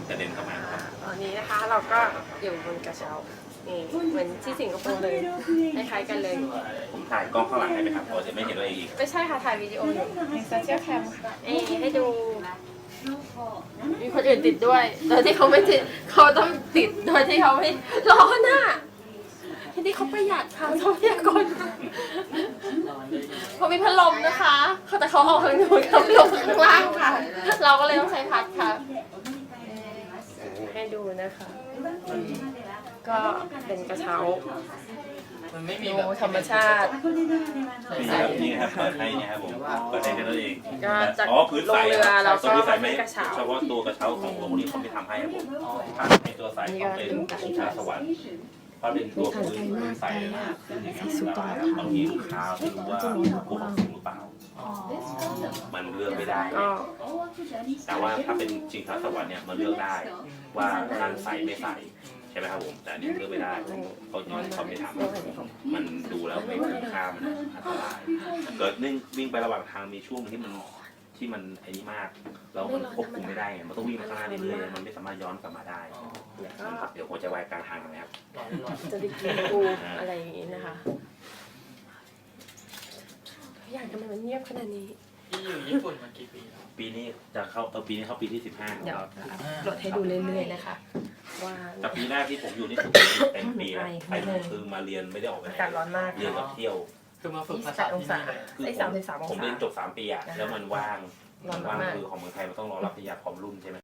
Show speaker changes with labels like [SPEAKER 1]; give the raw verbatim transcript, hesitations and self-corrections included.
[SPEAKER 1] กระเด็นเข้ามาครับ
[SPEAKER 2] ตอนนี้นะคะเราก็อยู่บนกระเช้านี่เหมือนที่สิงคโปร์เลยคล้ายๆกันเลย
[SPEAKER 1] ผมถ่ายกล้องข้างหลังให้ไหมครับเราจะไม่เห็นตัวเองอีก
[SPEAKER 2] ไม่ใช่ค่ะถ่ายวิดีโออยู่ในโซเชียลแคมค่ะเอ้ให้ดูมีคนอื่นติดด้วยโดยที่เขาไม่ติดเขาต้องติดโดยที่เขาไม่ร้อนอ่ะที่นี่เขาประหยัดค่ะทรัพยากรเขามีพัดลมนะคะแต่เขาออกข้างนู้นเขาลงข้างล่างค่ะ เราก็เลยต้องใช้พัดค่ะให้ดูนะคะก็เป็นกระเช้า
[SPEAKER 3] มันไม่มี
[SPEAKER 2] ดู
[SPEAKER 3] แบบ
[SPEAKER 2] ธรรมชาติ
[SPEAKER 1] นี่ครับนี่ครับเปิดให้เนี่ยครับผมเปิดให้กันนั่นเอง
[SPEAKER 2] ก็จาก
[SPEAKER 1] อ๋อพื้นใส
[SPEAKER 2] ลงเรือแล้วก็
[SPEAKER 1] พื้นใสไม่
[SPEAKER 2] กระเช้า
[SPEAKER 1] เฉพาะตัวกระเช้าของโรงนี้เขาไม่ทำให้ครับผมถ้าในตัวใสเขาเป็นชิงช้าสวรรค์เพราะเป็นตัวพื้นพื้นใสเลยนะซึ่งอย่างเงี้ยบางทีลูกค้าไม่รู้ว่าพวกสูงหรือเปล่ามันเลือกไม่ได้
[SPEAKER 2] ก็
[SPEAKER 1] แต่ว่าถ้าเป็นชิงช้าสวรรค์เนี่ยมันเลือกได้ว่านั่งใส่ไม่ใส่ใช่ไหมครับผมแต่อันนี้เลือกไม่ได้เขาเขาไม่ทำมันดูแล้วไม่คุ้มค่ามันอันตรายเกิดนึ่งวิ่งไประหว่างทางมีช่วงที่มันที่มันไอ้นี่มากแล้วมันควบคุมไม่ได้ไงมันต้องวิ่งไปข้างหน้าเรื่อยๆมันไม่สามารถย้อนกลับมาได้เดี๋ยวหัวใจวายกลางทางนะครับ
[SPEAKER 2] จะได้กินปูอะไรอย่างนี้นะคะทุกอย่างทำไมมันเงียบขนาดนี้
[SPEAKER 3] ที่อยู่ญี่ปุ่นมากี่ปีแล้ว
[SPEAKER 1] ปีนี้จะเข้าเออปีนี้เข้าปีที่สิบห้า
[SPEAKER 2] เดี๋ยว
[SPEAKER 1] แล้ว
[SPEAKER 2] โหลดให้ดูเรื่อยๆนะคะว่า
[SPEAKER 1] แต่ปีแรกที่ผมอยู่นี่คือเต็มปีแล้วไปคือมาเรียนไม่ได้ออกไปไหน
[SPEAKER 2] อากาศร้อนมาก
[SPEAKER 1] เรียนกับเที่ยว
[SPEAKER 3] คือมาฝึก
[SPEAKER 2] ยี่
[SPEAKER 3] ภา
[SPEAKER 2] สิบแป
[SPEAKER 3] ษา
[SPEAKER 2] ดอง
[SPEAKER 3] ที่
[SPEAKER 2] ศา
[SPEAKER 3] นี่เลย
[SPEAKER 1] คือ
[SPEAKER 2] ไอ้
[SPEAKER 1] ผ
[SPEAKER 2] สาม
[SPEAKER 1] ม
[SPEAKER 2] สิบสามอง
[SPEAKER 1] ผม
[SPEAKER 2] ศา
[SPEAKER 1] เรียนจบสามปีอะแล้วมันว่าง
[SPEAKER 2] ร้อน
[SPEAKER 1] ว่าง
[SPEAKER 2] มาก
[SPEAKER 1] คือของเมืองไทยมันต้องรอรับปริญญาพร้อมรุ่นใช่ไหม